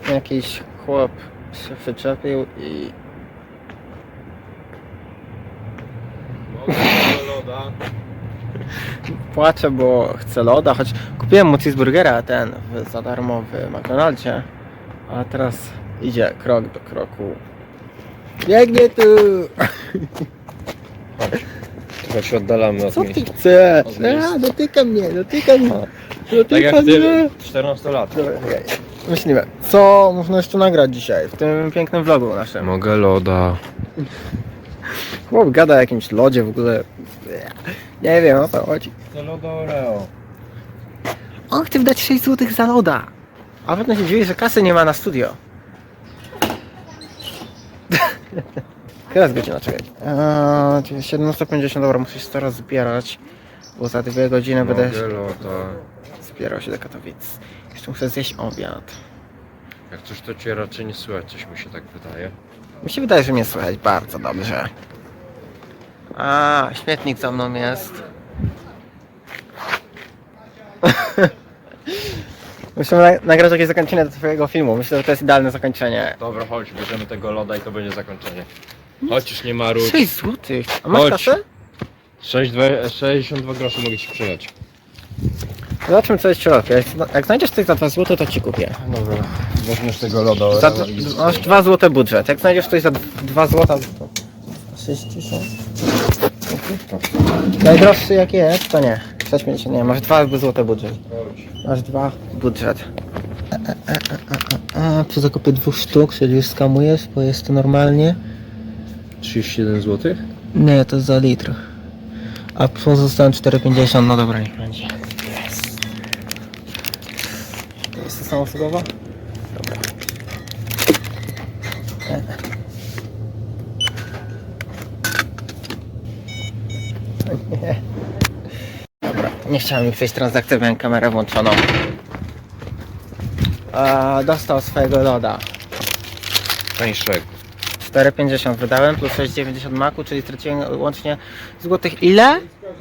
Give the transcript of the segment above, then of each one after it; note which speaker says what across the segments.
Speaker 1: Jakiś chłop się przyczepił i...
Speaker 2: Mogę loda.
Speaker 1: Płaczę, bo chce loda, choć kupiłem mu cheeseburgera za darmo w McDonaldzie. A teraz idzie krok do kroku. Biegnie tu!
Speaker 2: Trochę się oddalamy od
Speaker 1: Co
Speaker 2: miejsca.
Speaker 1: ty chcesz?
Speaker 2: Od miejsca.
Speaker 1: Dotyka mnie.
Speaker 2: Tak jak ty, 14 lat.
Speaker 1: Dobra, czekaj. Myślimy, co można jeszcze nagrać dzisiaj w tym pięknym vlogu naszym.
Speaker 2: Mogę loda.
Speaker 1: Chłop gada o jakimś lodzie w ogóle. Nie wiem o co chodzi.
Speaker 2: To loda Oreo.
Speaker 1: On chce wydać 6 zł za loda. A potem się dziwi, że kasy nie ma na studio. Teraz godzina, czekaj. 17:50, dobra, muszę się teraz zbierać. Bo za 2 godziny będę
Speaker 2: Mogę loda.
Speaker 1: zbierał się do Katowic. Jeszcze muszę zjeść obiad.
Speaker 2: Jak coś to cię raczej nie słychać, coś mi się tak wydaje.
Speaker 1: Mi się wydaje, że mnie słychać bardzo dobrze. A, śmietnik za mną jest. Musimy nagrać jakieś zakończenie do twojego filmu. Myślę, że to jest idealne zakończenie.
Speaker 2: Dobra, chodź, bierzemy tego loda i to będzie zakończenie. Chodź, już nie marudź.
Speaker 1: 6 złotych. A masz
Speaker 2: Chodź.
Speaker 1: kasę?
Speaker 2: 62 groszy mogę ci przelać.
Speaker 1: Zobaczmy co jest w środku. Jak znajdziesz coś za 2 zł, to ci kupię.
Speaker 2: Dobra, weźmiesz tego loda
Speaker 1: Za,
Speaker 2: Oreo i...
Speaker 1: masz 2 zł budżet. Jak znajdziesz coś za 2 zł, to 6000. Najdroższy jak jest, to nie. 6,50 nie, masz 2 zł budżet. Masz 2 budżet. Przy zakupie 2 sztuk, czyli już skamujesz, bo jest to normalnie.
Speaker 2: 37 zł?
Speaker 1: Nie, to jest za litr. A pozostałem 4,50, no dobra, niech będzie. To jest to samoobsługowa? Dobra. Nie. Dobra, nie chciałem mi przejść transakcję, miałem kamerę włączoną. Dostał swojego loda.
Speaker 2: Tańszego.
Speaker 1: 4,50 wydałem plus 6,90 maku, czyli straciłem łącznie złotych ile?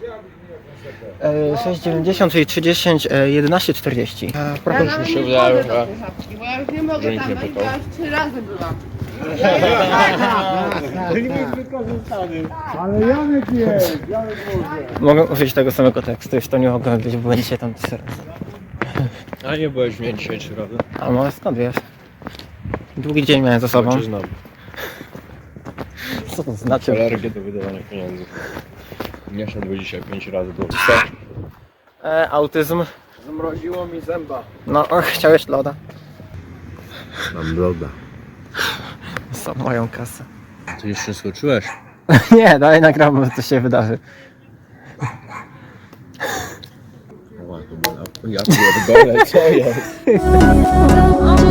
Speaker 1: 6,90, czyli 30, 11,40.
Speaker 2: Już mi się wydaje, że...
Speaker 3: Bo ja już nie mogę
Speaker 2: że nikt
Speaker 3: tam
Speaker 2: nie
Speaker 3: wejść, bo
Speaker 2: pytał.
Speaker 3: ja już 3 razy byłam.
Speaker 4: Ale Janek jest, Janek może.
Speaker 1: Mogę użyć tego samego tekstu, już to nie mogę być, bo będziecie tam 3 razy.
Speaker 2: A nie byłeś mnie dzisiaj 3 razy?
Speaker 1: A może skąd wiesz? Długi dzień miałem za sobą.
Speaker 2: Cię znam.
Speaker 1: Co to znaczy?
Speaker 2: Alergię do wydawania pieniędzy. Nie szedłby dzisiaj 5 razy do...
Speaker 1: Autyzm.
Speaker 4: Zamroziło mi zęba.
Speaker 1: No, chciałeś loda.
Speaker 2: Mam loda.
Speaker 1: Za moją kasę.
Speaker 2: Ty jeszcze nie skończyłeś?
Speaker 1: Nie, dalej nagramy, co się wydarzy.
Speaker 2: O, to było... Ja pierdolę, co jest?